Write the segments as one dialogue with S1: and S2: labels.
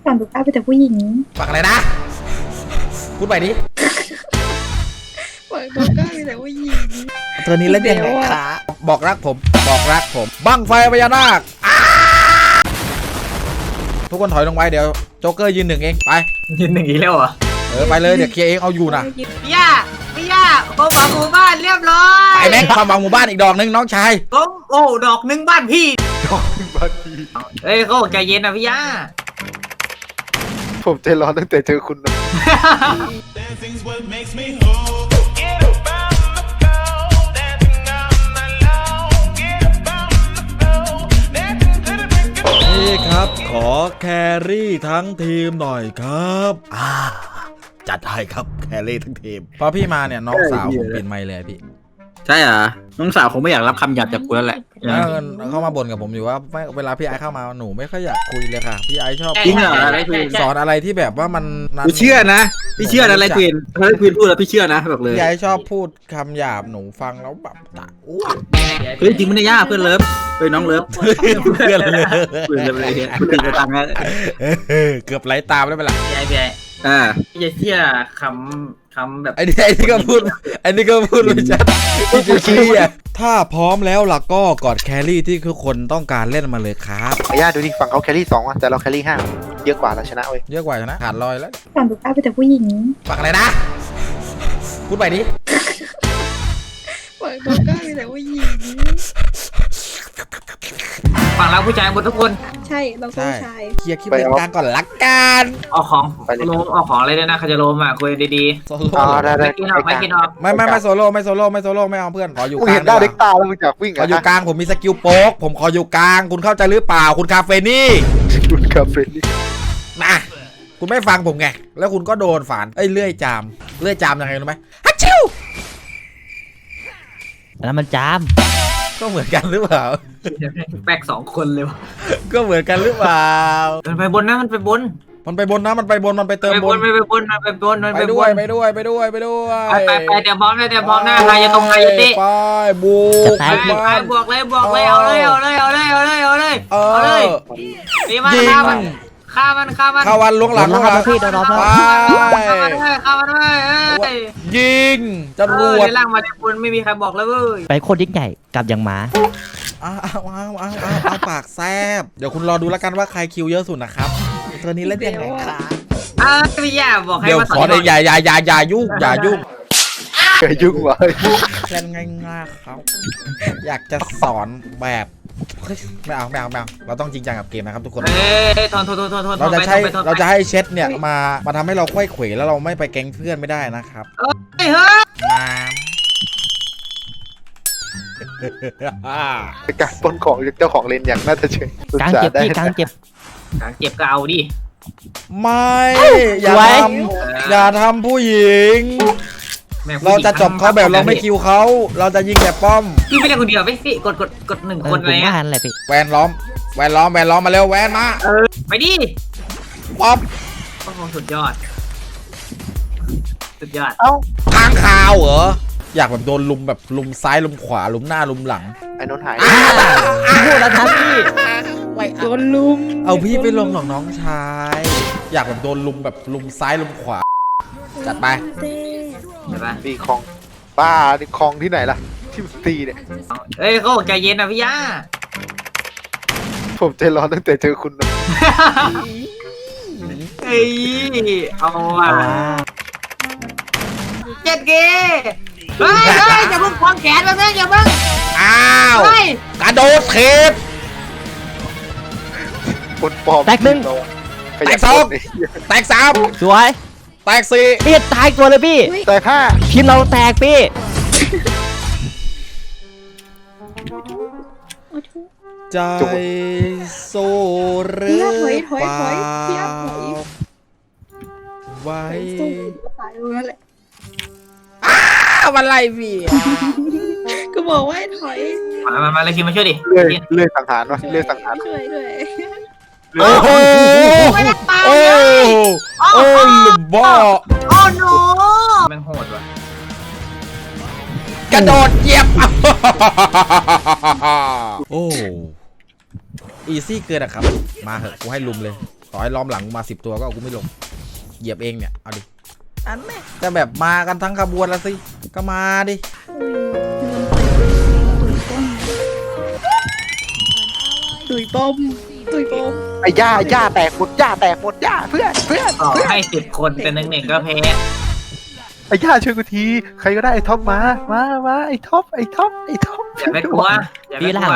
S1: ฝั่งตุ๊กตาเป็นแต่ผู้หญิง
S2: ฝั่งอะไรนะพูดไปดิ
S1: ฝั่งตุ๊กตาเป็นแต่ผู้หญิง
S2: ตัวนี้เล่นยังไงคะบอกรักผมบั้งไฟพญานาคทุกคนถอยลงไปเดี๋ยวโจ๊กเกอร์ยืนหนึ่งเองไป
S3: ยืนหนึ่งอีกแล้วเหรอ
S2: ไปเลยเดี๋ยวเคลียร์เองเอาอยู่นะ
S3: พี่ย่าผมฝังหมู่บ้านเรียบร้อย
S2: ไปแม็กความหวังหมู่บ้านอีกดอกนึงน้องชาย
S3: ผมดอกหนึ่งบ้านพี่เอ้ยเขาใจเย็นนะพี่ย่า
S4: ผมใจร้อนตั้งแต่เจอคุณนะ
S2: นี่ครับขอแครี่ทั้งทีมหน่อยครับจัดให้ครับแครี่ทั้งทีมพอพี่มาเนี่ยน้องสาวผมปิดไมค์เลยพี่
S3: ใช่เหรอน้องสาวผมไม่อยากรับคำหยาบจากกูแล้วแหละ
S2: เข้ามาบ่นกับผมอยู่ว่าเวลาพี่ไอเข้ามาหนูไม่ค่อยอยากคุยเลยค่ะพี่ไอชอบ
S3: จริงเหรอ
S2: สอนอะไรที่แบบว่ามัน
S3: พี่เชื่อนะพี่เชื่อนะอะไรควีนพูดแล้วพี่เชื่อนะแบบเลย
S2: พี่ไอชอบพูดคำหยาบหนูฟังแล้วแบบอ้วก
S3: เฮ้ยจริงไม่ได้ยากเพื่อนเลิฟน้องเลิฟ
S2: เพื่อนเลย
S3: ตื่นไปตังค์แล้ว
S2: เกือบไหลตามได้ไหมล่ะ
S3: พี่ไอพี่จะเชื่อคำแบบ
S2: ไอ้นี่ก็พูดไม่ชัดพี่จะเชื่อถ้าพร้อมแล้วล่ะก็กอดแครี่ที่ทุกคนต้องการเล่นมาเลยครับ
S4: ไอ้ย่าดูดิฝั่งเขาแครี่2ว่ะแต่เราแครี่5เยอะกว่าเราชนะเว้ย
S2: เยอะกว่าชนะขาดลอยแล้ว
S1: ฝั่งตุ๊กตาเป็นแต่ผู้หญิง
S2: ฝั่งอะไรนะพูดไปดิ
S1: ฝั่งตุ๊กตาเป็นแต่ผู้หญิง
S3: ฝั่งเราผู้ชายหมดทุกคน
S1: ใช่เราผู้ชาย
S2: เคลียร์คลิปเป็นกลางก่อนละกัน
S3: เอาของอะไรด้วยนะคาจะโลมอ่ะคุยดี
S2: ๆโซโล่
S3: ไม่กินออก
S2: ไม่โซโล่ไม่เอาเพื่อนขออยู่กลาง
S4: เห็นได้เด็กตาแล้วมึงจากวิ่ง
S2: ขออยู่กลางผมมีสกิลโป๊กผมขออยู่กลางคุณเข้าใจหรือเปล่าคุณคาเฟนี่นะคุณไม่ฟังผมไงแล้วคุณก็โดนฝานเลื่อยจามยังไงรู้ไหมฮัชชิว
S5: แล้วมันจาม
S2: ก็เหมือนกันหรือเปล่า
S3: แปลก2 คนเลย
S2: ก็เหมือนกันหรือเปล่า
S3: มันไปบนนะมันไปบน
S2: มันไปเติมบน
S3: ไปด้วย
S2: ไป
S3: แต่พร้อมหน้าใครจะตรงใครจะติ
S2: ไปบุก
S3: บวกเลยเอาเลยดีมากฆ่ามัน
S2: ข้าวันล้วงหลัง
S5: พี่โดนรับ
S3: ไปฆ่ามัน
S2: ยิงจรวด
S3: ล่างมาในคนไม่มีใครบอกเลยเว้ย
S5: ไปโคตรยิ่งใหญ่กลับอย่างหมา
S2: เอาปากแซบเดี๋ยวคุณรอดูแล้วกันว่าใครคิวเยอะสุดนะครับตัวนี้เล่นยังไงครับ
S3: พี่ย่าบอกให้มา
S2: สอนอย่ายุ่ง
S4: วะ
S2: เล่นง่ายๆครับอยากจะสอนแบบไม่เอาเราต้องจริงจังกับเกมนะครับทุกคนเราจะให้เช็ดเนี่ยมาทำให้เราค่อยเขวแล้วเราไม่ไปแก๊งเพื่อนไม่ได้นะครับ
S4: การปล้นของเจ้าของเลนอย่างน่าจะเฉย
S5: กลางเจ็บพี่กลางเจ็บ
S3: ก็เอาดิ
S2: ไม่อย่าทำผู้หญิงเราจะจบเขาแบบเราไม่คิวเขาเราจะยิงแบบป้อม
S3: พี่ไม่ได้คนเดียวพี่กด1 คนอะไร
S5: อะไรพี่
S2: แวนล้อมมาเร็วแวนมา
S3: ไปดิ
S2: ป๊อป
S3: โอ้โหสุดยอด
S2: ทางข่าวเหรออยากแบบโดนลุมแบบลุมซ้ายลุมขวาลุมหน้าลุมหลัง
S4: ไอ้นนท์หาย
S5: พูดแล้วทันพี่
S1: โดนลุม
S2: เอาพี่ไปลงหนองน้องชายอยากแบบโดนลุมแบบลุมซ้ายลุมขวาจัดไป
S4: มีคลองบ้านี่คลองที่ไหนล่ะที่ตีเนี่ย
S3: เฮ้ยเขาใจเย็นนะพี่ย่า
S4: ผมใจร้อนตั้งแต่เจอคุณนะ
S3: เฮ้ยเอาว่ะเจ็ดเกเฮ้ยอย่าเพิ่งควงแขนมาเพื่อนอย่าเพิ่ง
S2: อ้าวกระโดดเทป
S4: คนปลอม
S5: แตก1
S2: แตก2แตก3
S5: สวย
S2: แตก4
S5: พี่ตายตัวเลยพี่
S4: แตก5
S5: ทีมเราแตกพี่
S2: ใจโซเรือเปล่าไว้วันไรพี่
S1: ก็บอกว่าถอย
S3: มาเลยคิมมาช่วยดิ
S4: เลื่อยสังหารวะเลื่อยสังหาร
S1: ช่วย
S2: โอ้โหบ้า
S3: โอ้โนแม่งโหดว่ะ
S2: กระโดดเหยียบโอ้อีซี่เกินอะครับมาเหอะกูให้ลุมเลยต่อให้ล้อมหลังกูมา10 ตัวก็เอากูไม่ลงเหยียบเองเนี่ยเอาดิอันแม่แต่แบบมากันทั้งขบวนแล้วสิก็มาดิ
S1: ตุยป้อมตุยป้อม
S4: ไอ้ย่าแตกหมดย่าแตกหมดย่าเพื่อน
S3: ต่อให้10 คนเป็นหนึ่งก็แพ้
S4: ไอ้ย่าช่วยกูทีใครก็ได้ไอ้ท็อปมาไอ้ท็อป
S3: อย่าไปกลัวอย่าไป
S5: พี่
S3: ก
S5: ล่า
S3: ลัว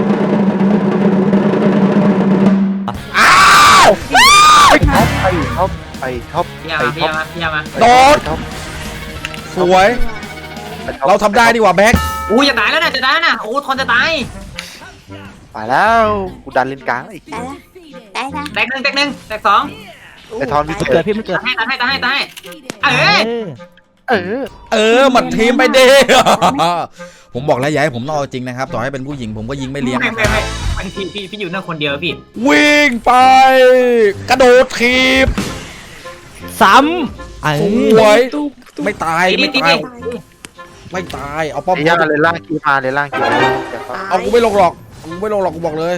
S4: ไอ้ท็อป
S3: พี่ยามา
S2: โดดสวยเราทำได้ดีกว่าแบ็ค
S3: อู้จะตายแล้วนะจะตายแล้วนะโอ้ทนจะตาย
S4: ไปแล้วกูดันเลนกลางอีก
S3: แตกหนึ่งแตกสอง
S4: ไอ้ทอนมี
S5: เกิดพี่มันเกิด
S3: ตายเอ้ย
S2: มันทีมไปดิ ผมบอกแล้วอย่าให้ผมต้องเอาจริงนะครับต่อให้เป็นผู้หญิงผมก็ยิงไม่เลี้ยงนะครับ
S3: ไม่พี่อยู่นั่นคนเดียวพี่
S2: วิ่งไป กระโดดทีบ
S5: ซ้ำ
S2: สวย
S1: ตุ๊บ
S2: ไม่ตาย
S3: ตี
S2: ไม่ตายเอาป้อม
S4: ไอ้ย่าเลยล่างกีมาเลยล่างกีมา
S2: เอากูไม่ลงหรอกกูบอกเลย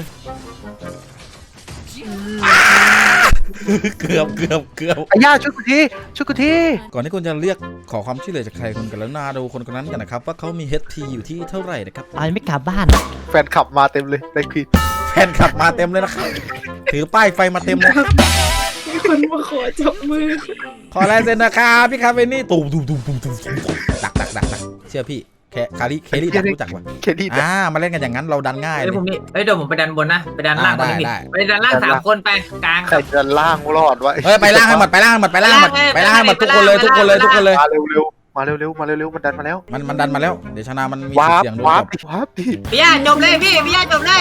S2: เกือบ
S4: ไอ้ย่าช่วยกูที
S2: ก่อนที่คุณจะเรียกขอความช่วยเหลือจากใครคุณกรุณาดูคนคนนั้นกันนะครับว่าเขามี HT อยู่ที่เท่าไหร่นะครับ
S5: อันไม่กลับบ้าน
S4: แฟนขับมาเต็มเลยได้คลิป
S2: แฟนขับมาเต็มเลยนะครับถือป้ายไฟมาเต็มเลย
S1: มีคนมาขอจับมือ
S2: ขอลายเซ็นนะครับพี่คาเฟนี่ตูมดักเชื่อพี่แค่เคลลี่ดักรู้จักว่ะ
S4: เคดี
S2: มาเล่นกันอย่างนั้นเราดันง่ายเลย
S3: เดี๋ยวผมไปดันบนนะไปดันล่างคนนี้ไปดันล่าง3 คนไปกลาง
S4: ใครจะล่างรอดวะ
S2: เฮ้ยไปล่างให้หมดทุกคนเลย
S4: มาเร็วมันดันมาแล้ว
S2: มันดันมาแล้วเดี๋ยวชนะมันมี
S4: วาร์ป
S2: เสียงโดน
S4: วาร์ป
S2: จบ
S4: วาร์ปดิ
S3: พี่ย่าจบเลยพี่ย่าจบเลย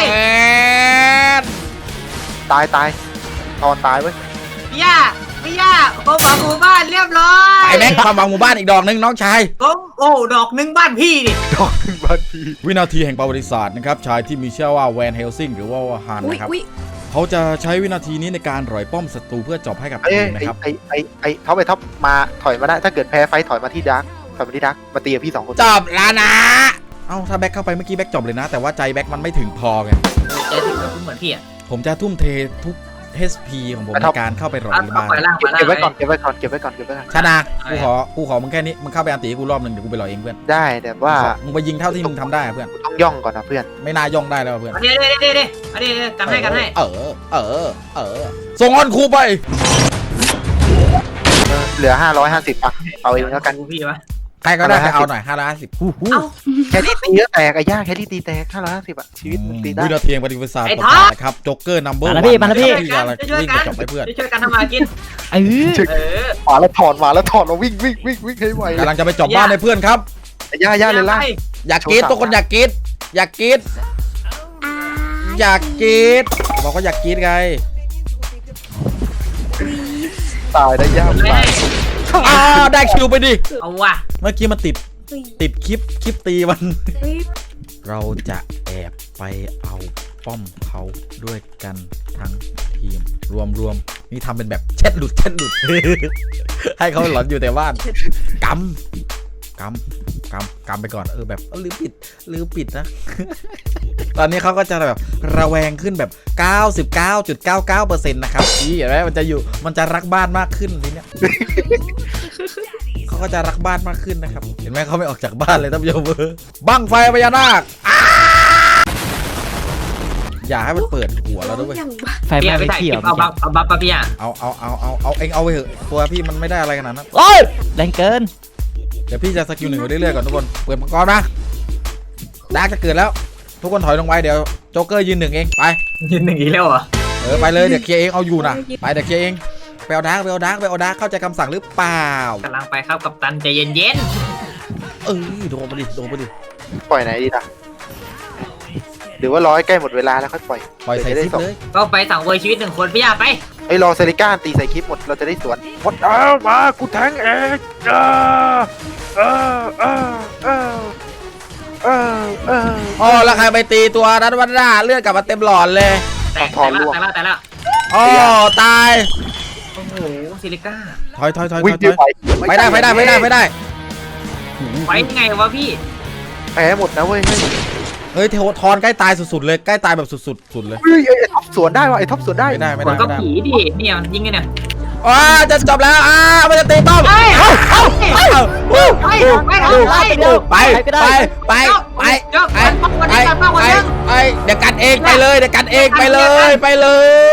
S4: ตายตอนตายเว้ย
S3: พี่ย่าผมหวังหมู่บ้านเรียบร้อย
S2: ไปแม็กความหวังหมู่บ้านอีกดอกนึงน้องชาย
S3: ผมดอกหนึ่งบ้านพี่ดิ
S4: ดอกหนึ่งบ้านพี่
S2: วินาทีแห่งประวัติศาสตร์นะครับชายที่มีชื่อว่าแวนเฮลซิงหรือว่าฮัน
S1: อุ้ย
S2: นะครับ
S1: อุ้ย
S2: เขาจะใช้วินาทีนี้ในการร่อยป้อมศัตรูเพื่อจบให้กับ
S4: ไอ้
S2: ทีมนะครับ
S4: ท็อปมาถอยมาได้ถ้าเกิดแพ้ไฟถอยมาที่ดักมาตีกับพี่2 คน
S2: จบแล้วนะเอ้าถ้าแบ็คเข้าไปเมื่อกี้แบ็คจบเลยนะ แต่ว่าใจแบ็คมันไม่ถึงพอไง
S3: ใจถึงกับเหมือนพี่อ่ะ
S2: ผมจะทุ่มเททุก HP ของผมในการเข้าไปร่อยบ้าน
S3: ไปล่าง
S4: เก็บไว้ก่อนเก็บไว้ก่อน
S2: ชนะกูขอมึงแค่นี้มึงเข้าไปอันตีกูรอบนึงเดี๋ยวกูไปรอเองเพื่อน
S4: ได้แต่ว่า
S2: มึงไปยิงเท่าที่มึงทำได้เพื่อน
S4: ต้องย่องก่อนนะเพื่อน
S2: ไม่น่าย่องได้แล้วเพื่อน
S3: เดี๋ยวกันให้
S2: ส่งออนครูไป
S4: เหลือ550อ่ะเอาเองแล้วกัน
S3: พี่วะ
S2: ใครก็ได้ไปเอาหน่อย550
S4: แค่นี้ตีเยอะแตกไอ้ย่าแค่นี้ตีแตก550อ่ะชีวิตมึงตีได้
S2: วินาทีประวัติศาสตร์ประกาศนะครับจ็อกเกอร์นัมเบอร์ที่จะจบให้เพื่อน
S3: ช่วยกันทำมากิน
S5: เออ
S4: มาแล้วถอนมาวิ่งให้ไว
S2: กำลังจะไปจบบ้านให้เพื่อนครับ
S4: ไอ้ย่าเลยล่ะ
S2: อยากกรีดทุกคนอยากกรีดบอกว่าอยากกรีดไง
S4: ตายได้ย่าตาย
S2: ได้คิวไปดิ
S3: เอาว่ะ
S2: เมื่อกี้มันติดคลิปตีมัน
S1: อุ้ย
S2: เราจะแอบไปเอาป้อมเขาด้วยกันทั้งทีมรวมนี่ทำเป็นแบบเช็ดหลุด ให้เขาหลอนอยู่แต่บ้านกำไปก่อนแบบลืมปิดนะ ตอนนี้เขาก็จะแบบระแวงขึ้นแบบ 99.99% นะครับเห็นไหมมันจะรักบ้านมากขึ้นทีเนี้ย เขาก็จะรักบ้านมากขึ้นนะครับเห็นไหมเขาไม่ออกจากบ้านเลยท่านผู้ชมบั้งไฟพญานาคอย่าให้มันเปิดหัวเราด้วย
S1: อย่างบ้า
S5: ไฟไหม้ไปที่เหรอ
S3: เอาบัฟพี่อ่ะ
S2: เอาเองเอาไปเถอะตัวพี่มันไม่ได้อะไรขนาดนั้น
S5: โอ้ยแรงเกิน
S2: เดี๋ยวพี่จะสกิล1ไปเรื่อยๆก่อนทุกคนเปิดมังกรนะดาร์กจะเกิดแล้วทุกคนถอยลงไปเดี๋ยวโจ๊กเกอร์ยืน1เองไป
S3: ยืน1อีกแล้วเหรอ
S2: ไปเลยเดี๋ยวเคลียร์เองเอาอยู่นะไปเดี๋ยวเคลียร์เองไปเอาดาร์กเข้าใจคำสั่งหรือเปล่าก
S3: ำลังไปครับกับตันใจเย็น
S2: โดนไปดิ
S4: ปล่อยไหนดีล่ะหรือว่าร้อยใกล้หมดเวลาแล้วค่อยปล่อย
S2: ใส่ซิปเลย
S3: ก็ไปสั่งเวอร์ชีวิต1 คนพี่ย่าไป
S4: ไอ้รอเซริก้าตีใส่คลิปหมดเราจะได้สวนหมดมากูแทงเอง
S2: อ๋อแล้วใครไปตีตัวนั้นวันหน้าเลือดกลับมาเต็มหลอดเลย
S3: แต่แล้ว
S2: อ๋อตาย
S3: โอ้โหซิลิก้า
S2: ถอย
S4: วิ่งไป
S2: ไม่ได้
S3: ไปยังไงวะพี่
S4: แพ้หมดนะเว้ย
S2: เฮ้ยเทวทอนใกล้ตายสุดๆเลยใกล้ตายแบบสุดเลย
S4: เฮ้ยไอ้ท็อปสวนได้ว่ะไอ้ท็อปสวนได้
S2: ไม่ได้
S3: มันก็ผีดิเนี่ยยิงไงเนี่ย
S2: จะจบแล้วมันจะตีป้อมไปเดี๋ยวกันเองไปเลยเดี๋ยวกันเองไปเลยไปเลย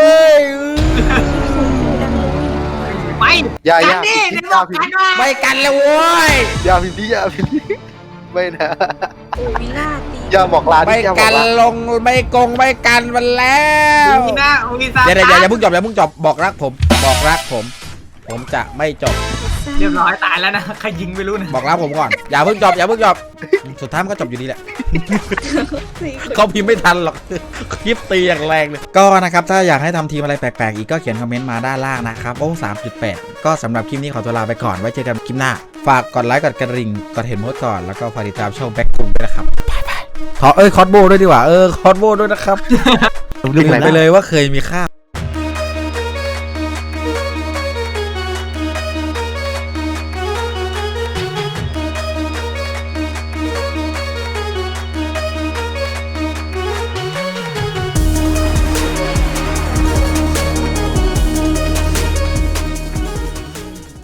S3: ไป
S4: อย่า
S3: กันดิเดี๋ยวบอกกันว่า
S2: ไม่กันเลยโว้ย
S4: อย่าพิมพ์ดิอย่าพิมพ์ดิไม่นะ
S1: โอ้วิล่าตี
S4: อย่าบอกลา
S2: ไม่
S4: อย่าบอ
S2: กั
S4: ก
S2: น
S4: ลา
S2: ลงไม่กงไม่กันมันแล้ว
S3: ดีนะโอลิซา
S2: อย่าเพิ่งจบบอกรักผมจะไม่จบ
S3: เรียบร้อยตายแล้วนะใครยิงไม่รู้นะ
S2: บอกรักผมก่อนอย่าเพิ่งจบสุดท้ายมันก็จบอยู่ดีแหละ
S1: สี่คน
S2: เขาพิมพ์ไม่ทันหรอก คลิปตีอย่างแรงเลยก็นะครับถ้าอยากให้ทำทีมอะไรแปลกๆอีกก็เขียนคอมเมนต์มาด้านล่างนะครับโอ้ 3.8 ก็สำหรับคลิปนี้ขอตัวลาไปก่อนไว้เจอกันคลิปหน้าฝากกดไลค์กดกระดิ่งกดเห็นโพสต์ก่อนแล้วก็ฝากติดตามช่องแบ็คคุงด้วยนะครับบายคอสโบด้วยดีกว่าคอสโบด้วยนะครับลืมไปเลยว่าเคยมีค่า